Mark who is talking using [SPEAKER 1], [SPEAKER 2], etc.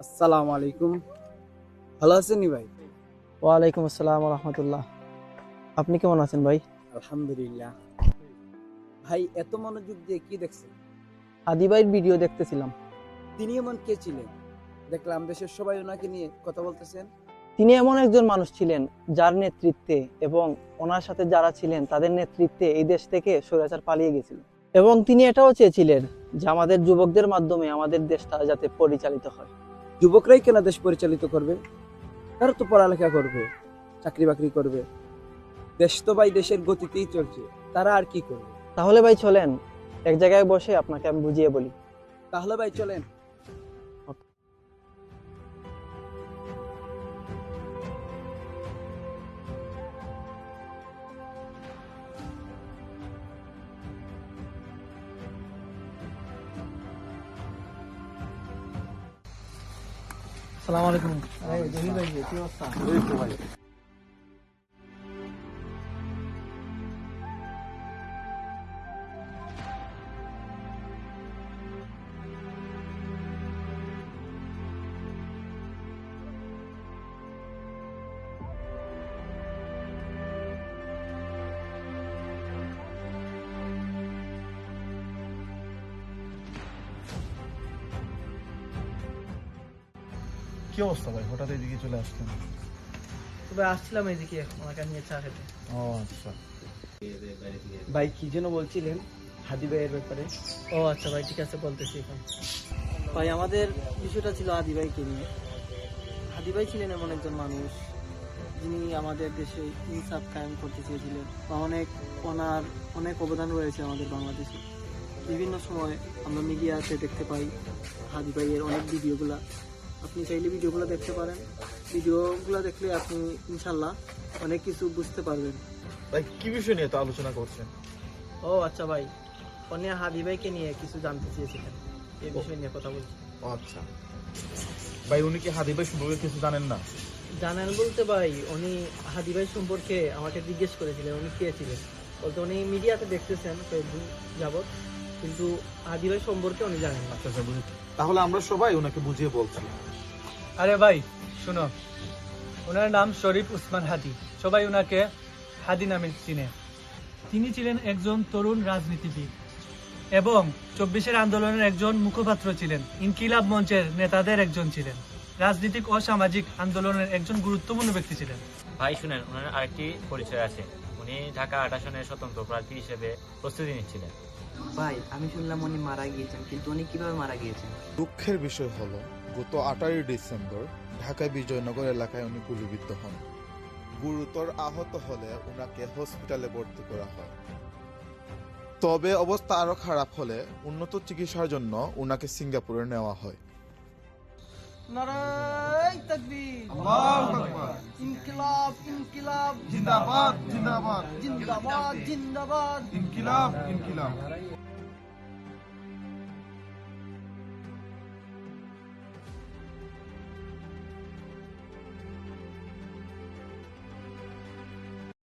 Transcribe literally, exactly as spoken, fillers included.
[SPEAKER 1] আসসালামু আলাইকুম। ভালো আছেন নি ভাই?
[SPEAKER 2] ওয়ালাইকুম আসসালাম ওয়া রাহমাতুল্লাহ। আপনি কেমন আছেন ভাই?
[SPEAKER 1] আলহামদুলিল্লাহ। ভাই এত মনোযোগ দিয়ে কি দেখছেন?
[SPEAKER 2] হাদি ভাইয়ের ভিডিও দেখতেছিলাম।
[SPEAKER 1] তিনি এমন কে ছিলেন? দেখলাম দেশের সবাই ওনাকে নিয়ে কথা বলতেছেন।
[SPEAKER 2] তিনি এমন একজন মানুষ ছিলেন যার নেতৃত্বে এবং ওনার সাথে যারা ছিলেন তাদের নেতৃত্বে এই দেশ থেকে স্বৈরাচার পালিয়ে গেছিল। এবং তিনি এটাও চেয়েছিলেন যে আমাদের যুবকদের মাধ্যমে আমাদের দেশটা যাতে পরিচালিত হয়।
[SPEAKER 1] যুবকরাই কেন দেশ পরিচালিত করবে? তারা তো পড়ালেখা করবে, চাকরি বাকরি করবে। দেশ তো ভাই দেশের গতিতেই চলছে, তারা আর কি করবে?
[SPEAKER 2] তাহলে ভাই চলেন এক জায়গায় বসে আপনাকে আমি বুঝিয়ে বলি।
[SPEAKER 1] তাহলে ভাই চলেন।
[SPEAKER 2] আসসালামু আলাইকুম। আরে জহির ভাই কি অবস্থা?
[SPEAKER 3] এই তো ভাই। কি অবস্থা ভাই, হঠাৎ এদিকে চলে আসলেন?
[SPEAKER 2] তবে আসছিলাম এদিকে ওনাকে নিয়ে চা খেতে।
[SPEAKER 3] ও আচ্ছা।
[SPEAKER 1] ভাই কি যেন বলছিলেন হাদি ভাইয়ের ব্যাপারে?
[SPEAKER 2] ও আচ্ছা ভাই, ঠিক আছে বলতেছি এখন। ভাই আমাদের বিষয়টা ছিল হাদি ভাইকে নিয়ে। হাদি ভাই ছিলেন এমন একজন মানুষ যিনি আমাদের দেশে ইনসাফ কায়েম করতে চেয়েছিলেন। বা অনেক ওনার অনেক অবদান রয়েছে আমাদের বাংলাদেশে। বিভিন্ন সময় আমরা মিডিয়াতে দেখতে পাই হাদি ভাইয়ের অনেক ভিডিওগুলা। আপনি চাইলে ভিডিওগুলো দেখতে পারেন। ভিডিওগুলো দেখলে আপনি ইনশাল্লাহ অনেক কিছু বুঝতে পারবেন।
[SPEAKER 3] ভাই কি বিষয় নিয়ে তো আলোচনা করছেন?
[SPEAKER 2] ও আচ্ছা ভাই, উনি হাদি ভাইকে নিয়ে কিছু জানতে চেয়েছিলেন, এই বিষয় নিয়ে কথা বলছি।
[SPEAKER 3] ও আচ্ছা ভাই, উনি কি হাদি ভাই সম্পর্কে কিছু জানেন না?
[SPEAKER 2] জানেন বলতে ভাই, উনি হাদি ভাই সম্পর্কে আমাকে জিজ্ঞেস করেছিলেন উনি কে ছিলেন। বলতে উনি মিডিয়াতে দেখতেছেন ফেসবুক যাবত, কিন্তু হাদি ভাই সম্পর্কে উনি জানেন না।
[SPEAKER 3] আচ্ছা আচ্ছা বুঝেছি। তাহলে আমরা সবাই ওনাকে বুঝিয়ে বলছি।
[SPEAKER 4] আরে ভাই শুনো, ওনার নাম শরীফ উসমান হাদি, সবাই ওনাকে হাদি নামে চিনে। তিনি ছিলেন একজন তরুণ রাজনীতিবিদ এবং চব্বিশের আন্দোলনের একজন মুখপাত্র ছিলেন। ইনকিলাব মঞ্চের নেতাদের একজন ছিলেন। রাজনৈতিক ও সামাজিক আন্দোলনের একজন গুরুত্বপূর্ণ ব্যক্তি ছিলেন।
[SPEAKER 5] ভাই শুনেন, ওনার আরেকটি পরিচয় আছে। উনি ঢাকা আট আসনের স্বতন্ত্র প্রার্থী হিসেবে প্রস্তুতি নিচ্ছিলেন।
[SPEAKER 6] ভাই আমি শুনলাম উনি মারা গিয়েছেন, কিন্তু উনি কিভাবে মারা গিয়েছেন?
[SPEAKER 7] দুঃখের বিষয় হলো গত আঠারোই ডিসেম্বর ঢাকা বিজয়নগর এলাকায় উনি গুলিবিদ্ধ হন। গুরুতর আহত হলে উনাকে হসপিটালে ভর্তি করা হয়। তবে অবস্থা আরো খারাপ হলে উন্নত চিকিৎসার জন্য উনাকে সিঙ্গাপুরে নেওয়া হয়।
[SPEAKER 2] নারায়ে তাকবীর,
[SPEAKER 3] আল্লাহু আকবার।
[SPEAKER 2] ইনকিলাব ইনকিলাব
[SPEAKER 3] জিন্দাবাদ জিন্দাবাদ
[SPEAKER 2] জিন্দাবাদ জিন্দাবাদ।
[SPEAKER 3] ইনকিলাব ইনকিলাব।